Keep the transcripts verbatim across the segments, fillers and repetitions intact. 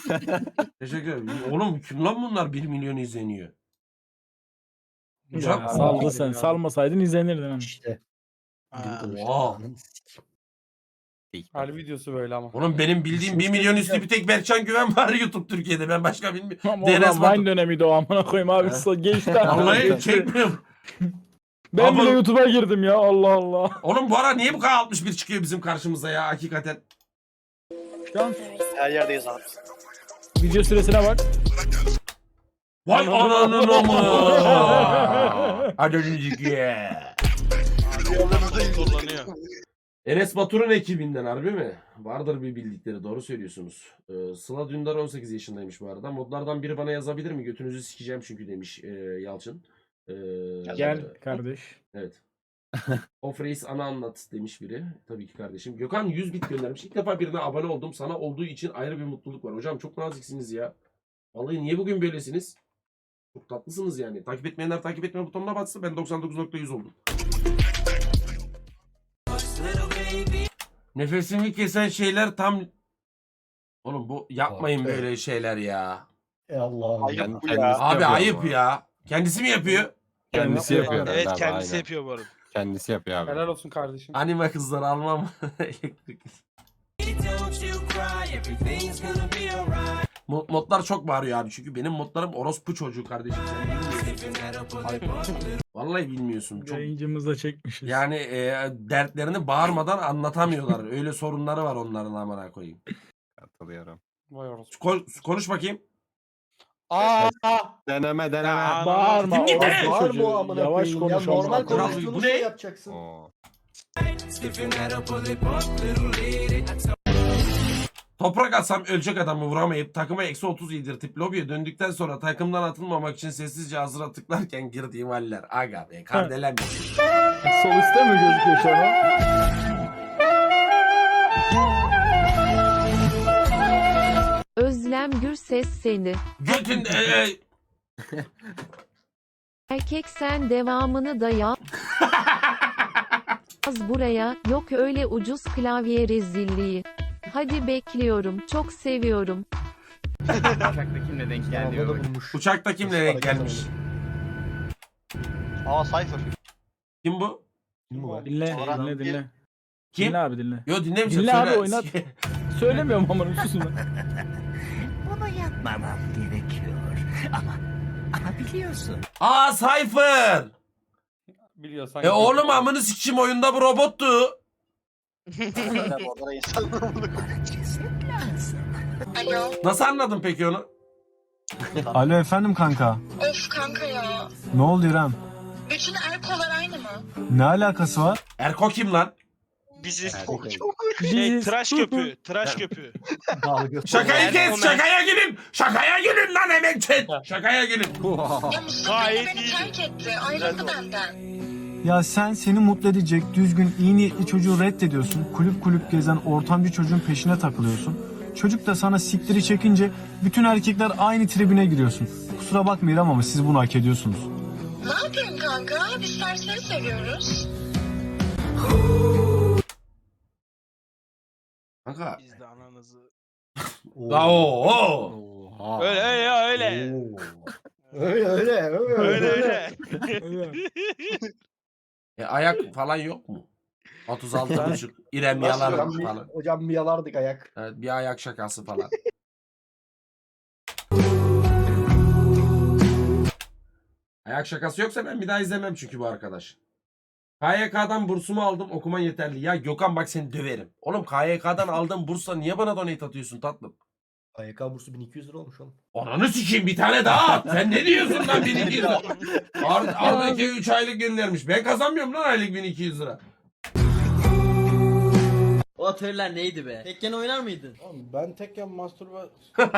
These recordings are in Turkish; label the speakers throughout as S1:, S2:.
S1: Teşekkür ederim. Oğlum kim lan bunlar bir milyon izleniyor?
S2: Ya, saldı sen. Salmasaydın izlenirdin. Hani.
S3: İşte.
S1: Oha.
S4: Hal videosu böyle ama.
S1: Oğlum benim bildiğim bir milyon üstü bir tek Berkcan Güven var YouTube Türkiye'de. Ben başka bilmiyorum.
S2: Ama
S1: D N S
S2: o zaman
S1: Batu.
S2: Vine dönemiydi o amına koyayım abi.
S1: He.
S2: Geçti.
S1: Vallahi çekmiyorum.
S2: Ben
S1: Ama-
S2: bile YouTube'a girdim ya Allah Allah.
S1: Oğlum bu ara niye bu kadar altmış bir çıkıyor bizim karşımıza ya hakikaten?
S2: Şu an
S3: Her yerdeyiz abi.
S2: video süresine bak.
S1: Vay ananın amı. Hadi önüncük ye.
S4: Kullanıyor.
S1: Enes Batur'un ekibinden harbi mi? Vardır bir bildikleri, doğru söylüyorsunuz. Ee, Sıla Dündar on sekiz yaşındaymış bu arada. Modlardan biri bana yazabilir mi? Götünüzü sikeceğim çünkü demiş e, Yalçın. Ee,
S2: Gel kardeş.
S1: Evet. Of Reis ana anlat demiş biri. Tabii ki kardeşim. Gökhan yüz bit göndermiş. İlk defa birine abone oldum. Sana olduğu için ayrı bir mutluluk var. Hocam çok naziksiniz ya. Vallahi niye bugün böylesiniz? Çok tatlısınız yani. Takip etmeyenler takip etme butonuna bassın. Ben doksan dokuz nokta yüz oldum. Nefesimi kesen şeyler tam... Oğlum bu yapmayın
S3: Evet.
S1: böyle şeyler ya.
S3: E Allah'ım.
S5: Ayıp
S3: ya.
S5: bu ya.
S6: Kendisi
S1: Abi
S6: yapıyor
S1: ayıp
S6: ama.
S1: ya. Kendisi mi yapıyor?
S6: Kendisi yapıyor. herhalde
S4: Evet
S6: abi,
S4: kendisi
S6: aynen.
S4: yapıyor bu arada.
S6: Kendisi yapıyor abi.
S4: Helal olsun kardeşim.
S1: Anime kızları almam. Elektrik. Mod- modlar çok bağırıyor abi çünkü benim modlarım orospu çocuğu kardeşim. Sen bilmiyorsun. Vallahi bilmiyorsun. Çok
S2: Yayıncımızda çekmişiz.
S1: yani e, dertlerini bağırmadan anlatamıyorlar. Öyle sorunları var onların amına koyayım.
S6: Katılıyorum.
S4: Vay orası.
S1: Ko- konuş bakayım.
S4: Aa!
S6: Deneme deneme.
S4: Ya,
S2: Bağırma.
S1: Kim gitti?
S2: orospu
S3: Var
S2: çocuğu.
S3: bu amına
S2: Yavaş
S3: koyayım ya.
S2: konuş.
S3: Normal
S2: amına koyayım.
S3: konuştuğunu
S1: Bu ne?
S3: şey yapacaksın.
S6: Oo.
S1: Toprak atsam ölecek adamı vuramayıp takıma eksi otuz yedirtip lobiye döndükten sonra takımdan atılmamak için sessizce hazıra tıklarken girdiğim haller. Aga be kardelen.
S2: Sol üstte mi gözüküyor şu an?
S7: Özlem Gürses seni.
S1: Götün e, e,
S7: Erkek sen devamını da yaz buraya. Yok öyle ucuz klavye rezilliği. Hadi bekliyorum. Çok seviyorum.
S8: Uçakta kimle denk geldi
S3: Havada
S8: bak.
S3: bulmuş.
S1: uçakta kimle denk gelmiş?
S5: Aa Cypher.
S1: Kim bu?
S3: Kim bu?
S2: Dinle,
S5: Sonra-
S2: dinle, dinle.
S1: Kim?
S2: Dinle abi dinle.
S1: Yo dinlemeyeceğim.
S2: Dinle abi,
S1: söyle.
S2: oynat. Söylemiyorum ama susun lan.
S8: Bunu yapmamam gerekiyor. Ama ama biliyorsun.
S1: Aa Cypher.
S4: Biliyorsan.
S1: E oğlum amını sikişim oyunda bu robottu.
S5: Orada insan.
S9: Alo.
S1: Nasıl anladın peki onu?
S10: Alo efendim kanka.
S9: Of kanka ya.
S10: Ne oldu İrem?
S9: Bütün erkolar aynı mı?
S10: Ne alakası var?
S1: Erko kim lan?
S4: Bizi
S2: Şey,
S4: tıraş köpüğü. Tıraş köpüğü.
S3: Dalga.
S1: Şakayı kes,
S4: Erko
S1: şakaya gelin. Şakaya gelin lan hemen chat. Şakaya gelin.
S9: Ya Mustafa
S4: Gayet
S9: beni
S4: iyiydi.
S9: terk etti. Ayrıldı benden.
S10: Ya sen seni mutlu edecek düzgün iyi niyetli çocuğu reddediyorsun. Kulüp kulüp gezen ortamcı çocuğun peşine takılıyorsun. Çocuk da sana siktiri çekince bütün erkekler aynı tribüne giriyorsun. Kusura bakma İrem ama siz bunu hak ediyorsunuz.
S9: Ne yapayım kanka? Biz serseri seviyoruz.
S1: Kanka.
S4: Biz de ananızı.
S1: La o o.
S6: Oha.
S4: Öyle öyle ya öyle.
S3: Oo. Öyle öyle öyle.
S4: Öyle öyle.
S1: E, ayak falan yok mu? otuz altı buçuk. İrem
S3: Nasıl
S1: yalar
S3: hocam, bir-
S1: falan.
S3: Hocam bir yalardık ayak.
S1: Evet, bir ayak şakası falan. Ayak şakası yoksa ben bir daha izlemem çünkü bu arkadaş. K Y K'dan bursumu aldım, okuman yeterli. Ya Gökhan bak seni döverim. Oğlum K Y K'dan aldığım bursla niye bana donate atıyorsun tatlım?
S3: A Y K bursu bin iki yüz lira olmuş oğlum.
S1: Ananı sikeyim bir tane daha at. Sen ne diyorsun lan bin iki yüz lira? Ar Arda'ki üç aylık göndermiş. Ben kazanmıyorum lan aylık bin iki yüz lira.
S8: O atölyeler neydi be? Tekken oynar mıydın?
S4: Ben tekken masturba...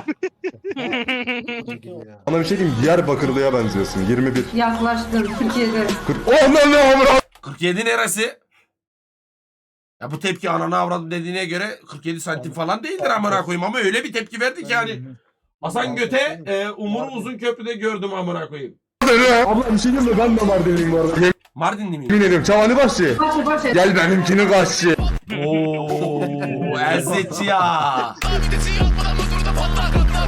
S11: Bana bir şey diyeyim, Diyarbakırlı'ya benziyorsun. yirmi bir.
S9: Yaklaştım Türkiye'de.
S11: Aman ne amına.
S1: kırk yedi neresi? Ya bu tepki anana avradım dediğine göre kırk yedi santim falan değildir amına koyayım ama öyle bir tepki verdi ki yani. Hasan Göte e, Umur'u uzun köprüde gördüm amına koyayım.
S11: Abla bir şey diyeyim mi? Ben de Mardinliyim bu arada.
S1: Mardinli miyim?
S11: Yemin ediyorum Çavani Başçı. Gel benimkini kaççı.
S1: Ooo Elzetçi ya.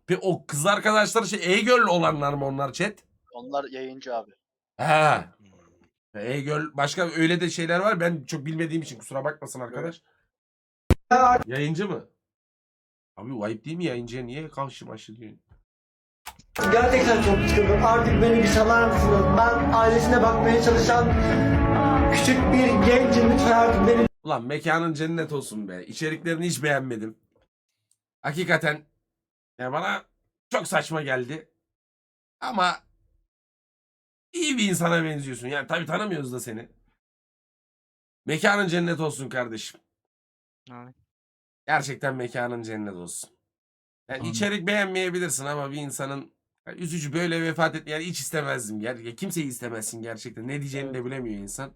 S1: Ve o kız arkadaşları şey e-girl olanlar mı onlar chat?
S4: Onlar yayıncı abi.
S1: Ha. E-girl başka öyle de şeyler var. Ben çok bilmediğim için kusura bakmasın arkadaş. Yayıncı mı? Abi o ayıp değil mi yayıncıya niye karşı başı diyorsun?
S8: Gerçekten çok sıkıldım. Artık beni bir salar mısınız? Ben ailesine bakmaya çalışan küçük bir gencim. Lütfen artık beni
S1: Ulan mekanın cennet olsun be. İçeriklerini hiç beğenmedim. Hakikaten ya bana çok saçma geldi. Ama iyi bir insana benziyorsun. Yani tabii tanımıyoruz da seni. Mekanın cennet olsun kardeşim.
S4: Evet.
S1: Gerçekten mekanın cennet olsun. Yani
S2: Amin.
S1: içerik beğenmeyebilirsin ama bir insanın yani üzücü böyle vefat etmeyi yani hiç istemezdim. Ger kimseyi istemezsin gerçekten. Ne diyeceğini de bilemiyor insan.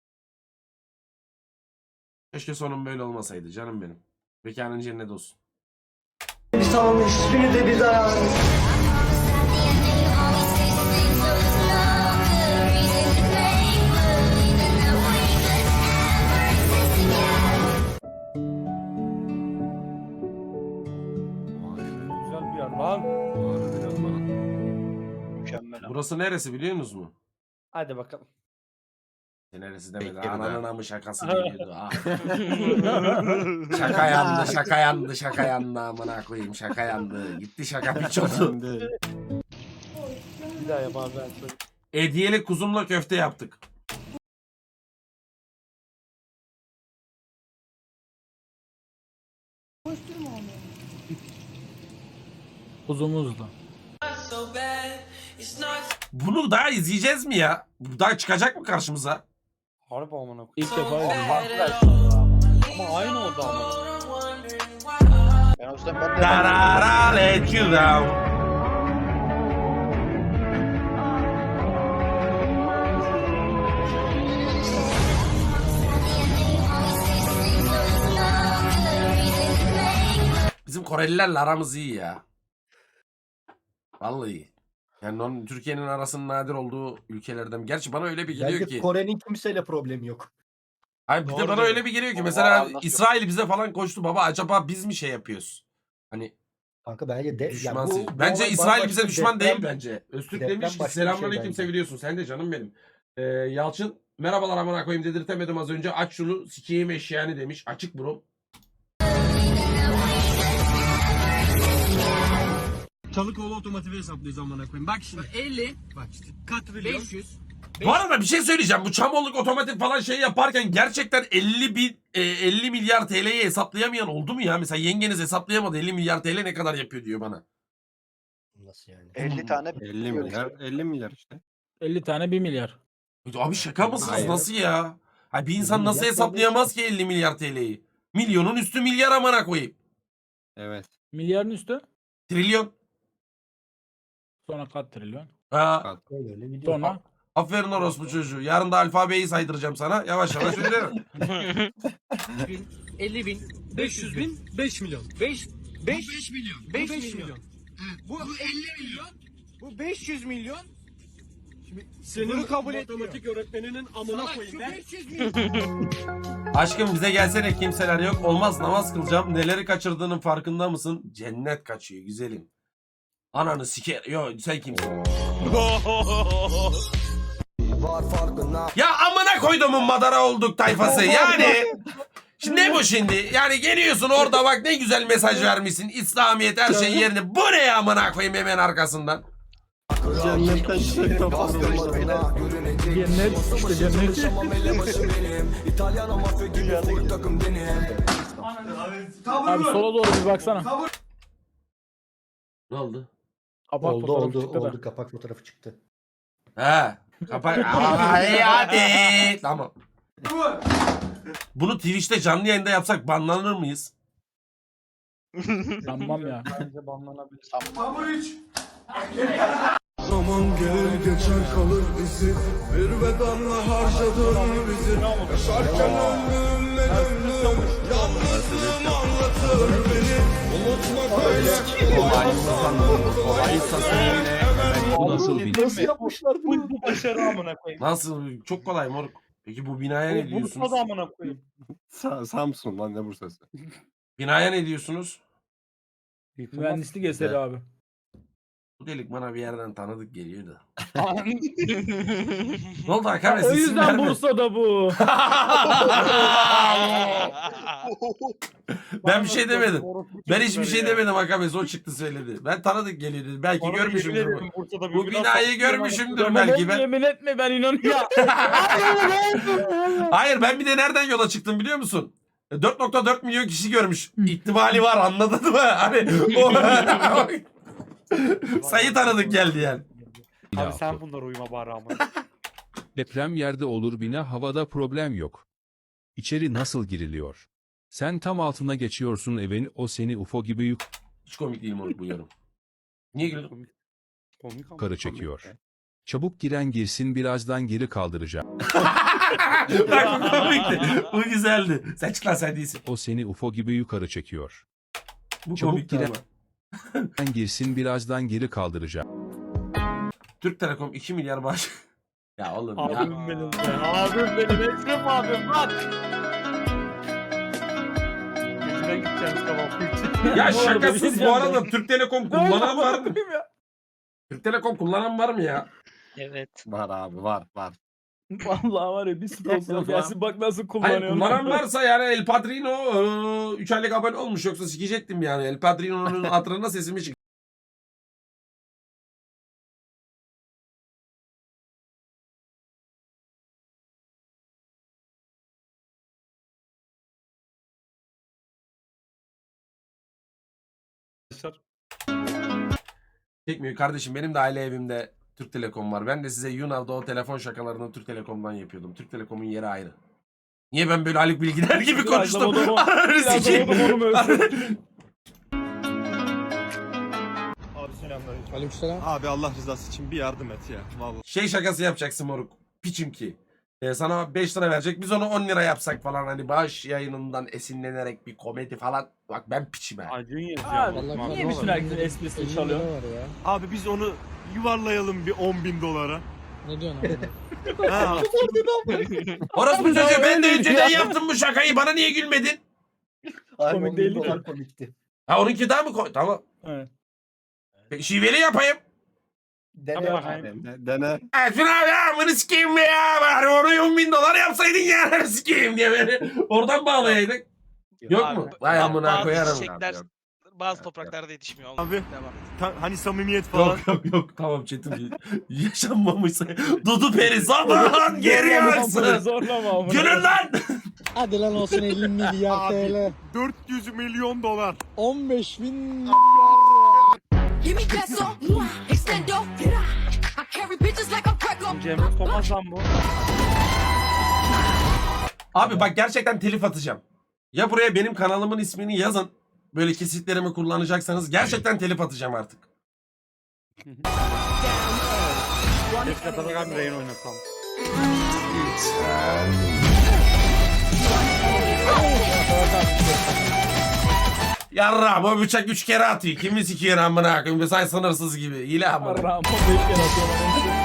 S1: Keşke sonum böyle olmasaydı canım benim. Mekanın cennet olsun.
S8: bir salmış. Hiçbiri de bizi ayarlamış.
S2: Güzel bir yer lan.
S4: Mükemmel abi.
S1: Burası neresi biliyor musunuz mu?
S2: Hadi bakalım.
S1: Neresi demedi.
S6: Bekir'de.
S1: Ananın amı şakası geliyordu. Ah. Şaka yandı, şaka yandı, şaka yandı amına koyayım. Şaka yandı. Gitti şaka piç oldu.
S2: Bir daha yap abi ben söyle.
S1: Hediyeli kuzumla köfte yaptık.
S2: Kuzumuzla.
S1: Bunu daha izleyeceğiz mi ya? Bu daha çıkacak mı karşımıza?
S2: Harbi amına koyayım. İlk defa izledim. Ama aynı oldu ama.
S4: Ben o yüzden ben de
S1: Darara let you down. Bizim Korelilerle aramız iyi ya. Vallahi iyi. Yani onun Türkiye'nin arasının nadir olduğu ülkelerden. Gerçi bana öyle bir geliyor
S3: Bence
S1: ki.
S3: Kore'nin kimseyle problemi yok.
S1: Hayır bir de
S4: Doğru
S1: bana
S4: diyor.
S1: öyle bir geliyor ki
S4: Aa,
S1: mesela
S4: anlatıyor.
S1: İsrail bize falan koştu baba acaba biz mi şey yapıyoruz? Hani
S3: Kanka bence de
S1: düşman.
S3: yani bu- bu
S1: bence
S3: olay
S1: İsrail
S3: bambaşka
S1: bize
S3: bir
S1: düşman
S3: deprem-
S1: değil bence. Öztürk
S3: deprem
S1: demiş ki
S3: başka bir şey
S1: selamünaleyküm
S3: bence.
S1: seviliyorsun. Sen de canım benim. Ee, Yalçın merhabalar amına koyayım dedirtemedim az önce. Aç şunu sikeyim eşeğini demiş. Açık bro.
S10: Çalıkoğlu otomotivi hesaplıyoruz amına koyayım. Bak şimdi. elli. Bak işte. Katrilyon. beş yüz.
S1: Bu arada bir şey söyleyeceğim. Bu Çamolluk otomatik falan şey yaparken gerçekten elli bin e, elli milyar T L'yi hesaplayamayan oldu mu ya? Mesela yengeniz hesaplayamadı. elli milyar T L ne kadar yapıyor diyor bana.
S3: Nasıl yani?
S4: elli tane
S6: elli milyar, elli milyar işte.
S2: elli tane bir milyar.
S1: Abi şaka mısınız?
S6: Hayır.
S1: Nasıl ya? Ha bir insan
S3: milyar
S1: nasıl
S3: T L
S1: hesaplayamaz ki elli milyar T L'yi? Milyonun üstü milyar amına koyayım.
S6: Evet.
S2: Milyarın üstü.
S1: Trilyon.
S2: Sonra kat trilyon.
S1: Ha,
S3: Öyle öyle gidiyor.
S2: Sonra
S1: aferin orospu çocuğu. Yarın da alfabeyi saydıracağım sana. Yavaş yavaş öğrenirim.
S10: elli bin. beş yüz bin. beş milyon. beş beş milyon. beş milyon. Bu elli milyon. Bu beş yüz milyon. Şimdi senin kabul matematik öğretmeninin amına koyayım. beş yüz milyon.
S1: Aşkım bize gelsene kimseler yok. Olmaz namaz kılacağım. Neleri kaçırdığının farkında mısın? Cennet kaçıyor güzelim. Ananı siker. Yo sen kimsin? Ya amına koyduğumun madara olduk tayfası. Yani şimdi ne bu şimdi? Yani geliyorsun orada bak ne güzel mesaj vermişsin. İslamiyet her şey yerine. Bu ne ya amına koyayım hemen arkasından.
S6: Cennetten çiçek topladım.
S2: cennet işte cennet. Abi sola doğru bir baksana.
S1: Ne oldu?
S2: Kapak
S3: Oldu
S2: fotoğrafı
S3: oldu
S2: çıktı da.
S3: oldu kapak fotoğrafı çıktı.
S1: He. Kapat. Ay hadi. Tamam. Bunu Twitch'te canlı yayında yapsak banlanır mıyız?
S2: Sanmam ya. Bence banlanabilir.
S11: Zaman gelir geçer kalır bizi. Bir bedanla harcadın bizi. Yaşarken ömrüm ne ömrüm. Yalnızlığım anlatır beni. Unutmak öyle kolay.
S6: Bu nasıl bir
S3: Nasıl yapmışlar bunu?
S4: Bu başarı amına koyayım.
S1: Nasıl? Çok kolay moruk. Peki bu binaya ne diyorsunuz?
S4: amına koyayım.
S6: Sa- Samsun lan ne Bursa'sı.
S1: Binaya ne diyorsunuz?
S2: Mühendislik eseri abi.
S1: Bu delik bana bir yerden tanıdık geliyor da. Ne oldu Hakan Bey?
S2: O
S1: Siz isim
S2: yüzden
S1: verme.
S2: Bursa'da bu.
S1: Ben bir şey demedim. Ben hiçbir şey demedim Hakan Bey. O çıktı söyledi. Ben tanıdık geliyor dedi. Belki görmüşümdür. Bu,
S2: Bursa'da
S1: bu binayı görmüşümdür belki. Ben...
S2: Yemin etme ben inanıyorum.
S1: Hayır ben bir de nereden yola çıktım biliyor musun? dört nokta dört milyon kişi görmüş. İhtimali var anladın mı? Hani o... sayı tanıdık geldi yani.
S2: Abi sen bunlara uyuma bari ama.
S5: Deprem yerde olur bina havada problem yok. İçeri nasıl giriliyor? Sen tam altına geçiyorsun evin o seni U F O gibi
S1: Hiç komik değil moruk bu yorum. Niye güldün?
S2: Komik ama.
S5: yukarı çekiyor. Çabuk giren girsin birazdan geri kaldıracağım.
S1: Bak bu komikti. Bu güzeldi. Sen çık lan sen değilsin.
S5: O seni U F O gibi yukarı çekiyor.
S1: Bu
S5: Çabuk
S1: komikti
S5: giren-
S1: ama.
S5: Giren girsin birazdan geri kaldıracağım.
S1: Türk Telekom iki milyar bağış. Ya oğlum ya.
S2: Abim benim be. Abim benim. Ekrem abim bak. Yüzüne gideceğiz tamam.
S1: Ya
S2: Bu arada bir
S1: şakasız
S2: şey
S1: bu
S2: diyeceğim
S1: arada
S2: ben.
S1: Türk Telekom
S2: Ne
S1: kullanan
S2: oldu
S1: var mı?
S2: bakayım ya?
S1: Türk Telekom kullanan var mı ya?
S4: Evet.
S6: Var abi var var.
S2: Vallahi var ya bir sponsor gelsin bak nasıl
S1: Hayır
S2: kullanıyorum.
S1: kullanan varsa yani El Padrino üç aylık abone olmuş yoksa sikecektim yani. El Padrino'nun hatırına sesimi çık. Çekmiyor kardeşim benim de aile evimde Türk Telekom var. Ben de size Yunav'da o telefon şakalarını Türk Telekom'dan yapıyordum. Türk Telekom'un yeri ayrı. Niye ben böyle Haluk Bilginer gibi
S2: Biraz da
S1: konuştum?
S2: modumu-
S1: Ananı
S2: biraz da
S1: sikeyim.
S2: modumu ölçüyorum.
S6: Abi Allah rızası için bir yardım et ya. Vallahi.
S1: Şey şakası yapacaksın moruk. Piçim ki. Ee, sana beş lira verecek. Biz onu on lira yapsak falan hani bağış yayınından esinlenerek bir komedi falan. Bak ben piçim ha.
S2: Acun yazıyor. Niye bütün herkesin esprisini çalıyor?
S6: Abi biz onu yuvarlayalım bir on bin dolara.
S10: Ne diyorsun abi?
S6: Ha,
S1: Orası bu çocuğu ben de önceden yaptım bu şakayı. Bana niye gülmedin?
S3: Harbi
S2: Komik
S3: on bin
S2: değildi
S3: dolar
S2: ki.
S3: komikti.
S1: Ha onunki daha mı koy? Tamam.
S2: Evet.
S1: Peki, şiveli yapayım.
S3: Dene
S2: Yap
S3: abi.
S2: bakayım.
S6: dene, dene.
S1: Ersun abi ya amını sikeyim be ya. Bari onu on bin dolar yapsaydın ya. amını sikeyim diye beni. Oradan bağlayaydık. Yok
S4: Abi,
S1: mu? Vay amına
S4: bazı
S1: koyarım.
S4: çiçekler bazı topraklarda yetişmiyor.
S6: Abi.
S4: Devam.
S6: Ta- hani samimiyet falan.
S1: Yok yok yok tamam Çetin. Yaşanmamışsa. Dudu peri zaman geri yaksın.
S2: Zorlama ama.
S1: Gülün lan.
S10: Hadi lan olsun elli milyar
S6: Abi.
S10: T L.
S6: dört yüz milyon dolar.
S10: on beş bin
S2: Cemre Thomas lan bu.
S1: Abi bak gerçekten telif atacağım. Ya buraya benim kanalımın ismini yazın. Böyle kesitlerimi kullanacaksanız gerçekten telif atacağım artık.
S2: Keşke Atakan bir yayın oynatsam.
S1: Yarra bu bıçak üç kere atıyor. Kimi sikiyor amına koyayım. Say sınırsız gibi. İle amına.
S2: Ramon beş kere atıyorlar.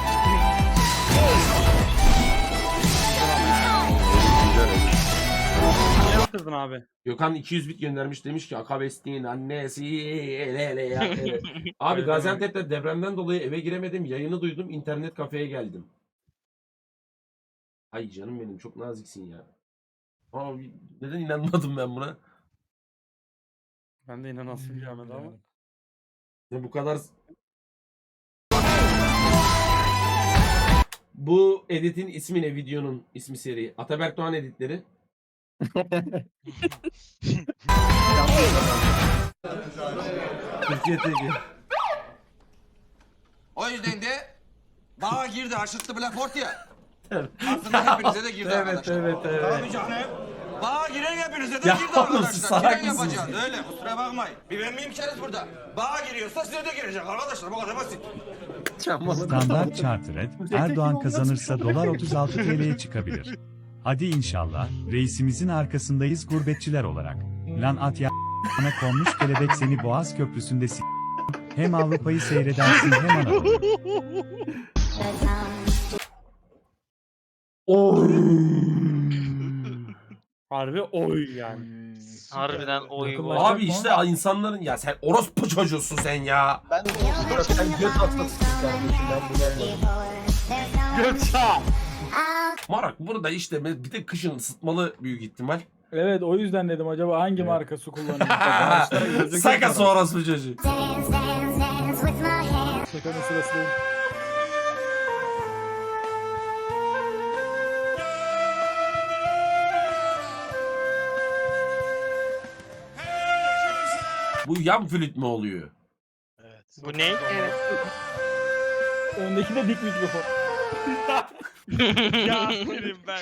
S2: Ne yaptırdın abi?
S1: Gökhan iki yüz bit göndermiş demiş ki Akabestin annesi ele ele ya. ele." Abi
S2: Evet,
S1: Gaziantep'te depremden dolayı eve giremedim. Yayını duydum. İnternet kafeye geldim. Ay canım benim çok naziksin ya. Abi neden inanmadım ben buna?
S2: Ben de inanasım gelmedi ama.
S1: Ya bu kadar... Bu editin ismi ne? Videonun ismi seri. Ataberk Doğan editleri. Türkiye T G.
S12: O yüzden de bağa girdi aşırttı Blackboard ya. Aslında hepinize de girdi
S1: Evet
S12: arkadaşlar.
S1: evet evet.
S12: Tabii canım. Bağa giren hepinize de
S1: Ya
S12: girdi
S1: oğlum, siz
S12: arkadaşlar.
S1: salak
S12: Giren
S1: mısınız?
S12: yapacağız öyle kusura bakmayın. Bir ben miyim keriz burada. Bağa giriyorsa size de girecek arkadaşlar bu kadar basit.
S5: Standart Chartered Erdoğan kazanırsa dolar otuz altı T L'ye çıkabilir. Hadi inşallah reisimizin arkasındayız gurbetçiler olarak. Lan at ya ana konmuş kelebek seni Boğaz Köprüsü'nde s- hem Avrupa'yı seyredersin hem Anadolu'yu.
S1: Oy.
S2: Harbi oy yani.
S4: Harbiden oy
S2: Yakınlaşacak
S4: oy.
S1: Abi
S2: mı?
S1: işte insanların ya sen orospu çocuğusun sen ya.
S3: Ben de onu sen göt atlasın kardeşim ben bunu anladım.
S1: Marak burada işte bir de kışın ısıtmalı büyük ihtimal.
S2: Evet o yüzden dedim acaba hangi marka su kullanıyor?
S1: Sakası orospu çocuğu.
S2: Şakanın sırası değil.
S1: Bu yan flüt mü oluyor?
S4: Bu ne?
S7: Evet.
S2: Öndeki de dik mikrofon.
S4: Ya benim ben.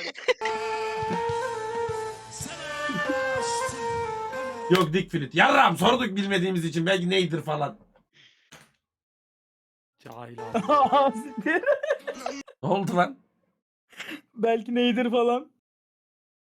S1: Yok dik flüt. Yarram sorduk bilmediğimiz için belki neydir falan.
S2: Cahil abi.
S1: Ne oldu lan?
S2: Belki neydir falan.